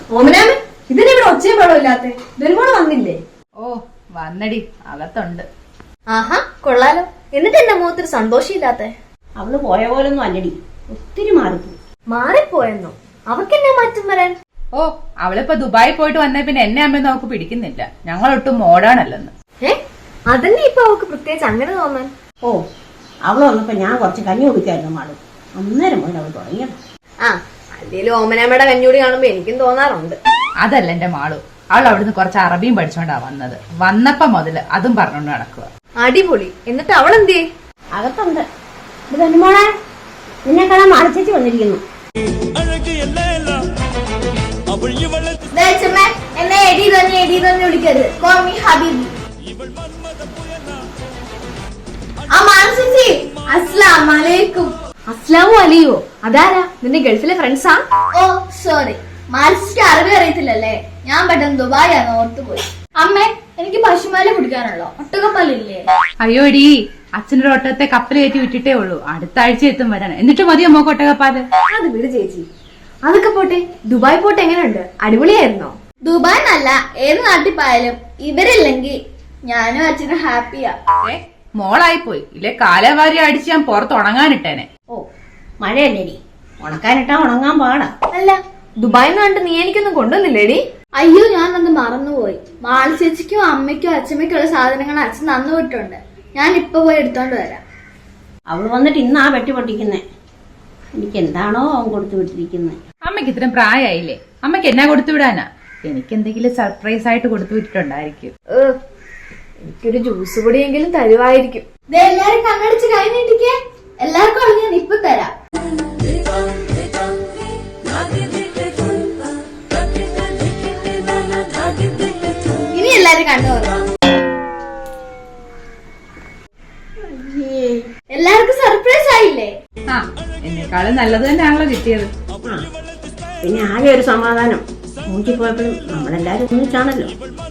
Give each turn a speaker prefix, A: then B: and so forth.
A: ഓമനാമ ഇതിനിവിടെ ഒച്ചയും വെള്ളമില്ലാത്ത ബെൽമോള് വന്നില്ലേ?
B: ഓ വന്നടി, അകത്തുണ്ട്.
A: ആഹാ കൊള്ളാലോ. എന്നിട്ട് എന്റെ മുഖത്തൊരു സന്തോഷമില്ലാത്ത?
C: അവള് പോയ പോലൊന്നും അല്ലടി, ഒത്തിരി മാറിപ്പോയി.
A: മാറിപ്പോയെന്നോ? അവക്കെന്നെ മാറ്റം വരാൻ?
B: ഓ അവളിപ്പോ ദുബായി പോയിട്ട് വന്നേ പിന്നെ എന്നെ അമ്മയൊന്നും അവക്ക് പിടിക്കുന്നില്ല. ഞങ്ങളൊട്ടും മോഡേണല്ലെന്ന്.
A: അതന്നെ ഇപ്പൊ അവക്ക് പ്രത്യേകിച്ച് അങ്ങനെ തോന്നാൻ?
C: ഓ അവള് വന്നപ്പോ ഞാൻ കുറച്ച് കഞ്ഞി കുടിക്കായിരുന്നു മാളു. അന്നേരം മുതൽ അവൾ തുടങ്ങിയത്.
A: ആ അല്ലേലും ഓമനാമ്മയുടെ കഞ്ഞൂടി കാണുമ്പോ എനിക്കും തോന്നാറുണ്ട്.
B: അതല്ല എന്റെ മാളു, അവൾ അവിടുന്ന് കുറച്ച് അറബിയും പഠിച്ചോണ്ടാ വന്നത്. വന്നപ്പോ മുതല് അതും പറഞ്ഞോണ്ട് നടക്കുക.
A: അടിപൊളി. എന്നിട്ട് അവളെന്തേ?
C: അകത്തുണ്ട്. ഇത് പെണ്ണുമോളെ, നിന്നെ കാണാൻ മാളിച്ചേച്ചി വന്നിരിക്കുന്നു.
A: എന്നെ എടി തന്നെ വിളിക്കരുത്. കോൾ മീ ഹബീബി. അസ്സലാമലൈക്കും. അസ്ലാമു അലിയോ? അതാരാ? നിന്റെ ഗൾഫിലെ ഫ്രണ്ട്സാ?
D: ഓ സോറി, മാനസിക്ക് അറബി അറിയത്തില്ലല്ലേ. ഞാൻ പെട്ടെന്ന് ദുബായാണ് ഓർത്തുപോയി. അമ്മേ, എനിക്ക് പശുമാല കുടിക്കാനുള്ളോ? ഒട്ടകപ്പാലില്ലേ?
B: അയ്യോടി, അച്ഛനൊരു ഒട്ടകത്തെ കപ്പൽ കയറ്റി വിട്ടിട്ടേ ഉള്ളൂ. അടുത്ത ആഴ്ച എത്തും വരാൻ. എന്നിട്ട് മതിയോ മോക്ക് ഒട്ടകപ്പാല്?
A: അത് വിട് ചേച്ചി. അതൊക്കെ പോട്ടെ, ദുബായ് പോട്ടെ എങ്ങനെയുണ്ട്? അടിപൊളിയായിരുന്നോ?
D: ദുബായ് എന്നല്ല, ഏത് നാട്ടിൽ പോയാലും ഇവരില്ലെങ്കിൽ ഞാനും അച്ഛനും ഹാപ്പിയാ.
B: മോളായിപ്പോയി. ഇല്ലേ കാലവാരി അടിച്ച് ഞാൻ പുറത്ത് ഉണങ്ങാനിട്ടേനെ.
C: ഓ മഴയല്ലേടി, ഉണക്കാനിട്ടാ ഉണങ്ങാൻ പാടാ.
A: അല്ല ദുബായ് കണ്ട് നീ എനിക്കൊന്നും കൊണ്ടുവന്നില്ലേടി?
D: അയ്യോ, ഞാനത് മറന്നുപോയി. മാളി ചേച്ചിക്കും അമ്മയ്ക്കും അച്ഛമ്മയ്ക്കുള്ള സാധനങ്ങൾ അച്ഛൻ തന്നു വിട്ടുണ്ട്. ഞാൻ ഇപ്പൊ പോയി എടുത്തോണ്ട് വരാം.
C: അവള് വന്നിട്ട് ഇന്നാ വെട്ടി പൊട്ടിക്കുന്നേ. എനിക്ക് എന്താണോ അവൻ കൊടുത്തു വിട്ടിരിക്കുന്നത്.
B: അമ്മയ്ക്ക് ഇത്രയും പ്രായമായില്ലേ, അമ്മയ്ക്ക് എന്നാ കൊടുത്തു വിടാനാ? എനിക്ക് എന്തെങ്കിലും സർപ്രൈസ് ആയിട്ട് കൊടുത്തു വിട്ടിട്ടുണ്ടായിരിക്കും.
A: എനിക്കൊരു ജ്യൂസ് പൊടിയെങ്കിലും തരുവായിരിക്കും.
D: എല്ലാരും കണ്ണടിച്ച് കഴിഞ്ഞിട്ടിക്കേ. എല്ലാവർക്കും അത് ഞാൻ ഇപ്പൊ തരാം. ഇനി എല്ലാരും കണ്ണു തുറന്നോ. എല്ലാവർക്കും സർപ്രൈസ് ആയില്ലേ?
B: ആ എന്നെക്കാളും നല്ലത് തന്നെയാണല്ലോ കിട്ടിയത്.
C: പിന്നെ ആകെ ഒരു സമാധാനം, മൂഞ്ചി പോയപ്പോഴും നമ്മളെല്ലാരും ഒന്നിച്ചാണല്ലോ.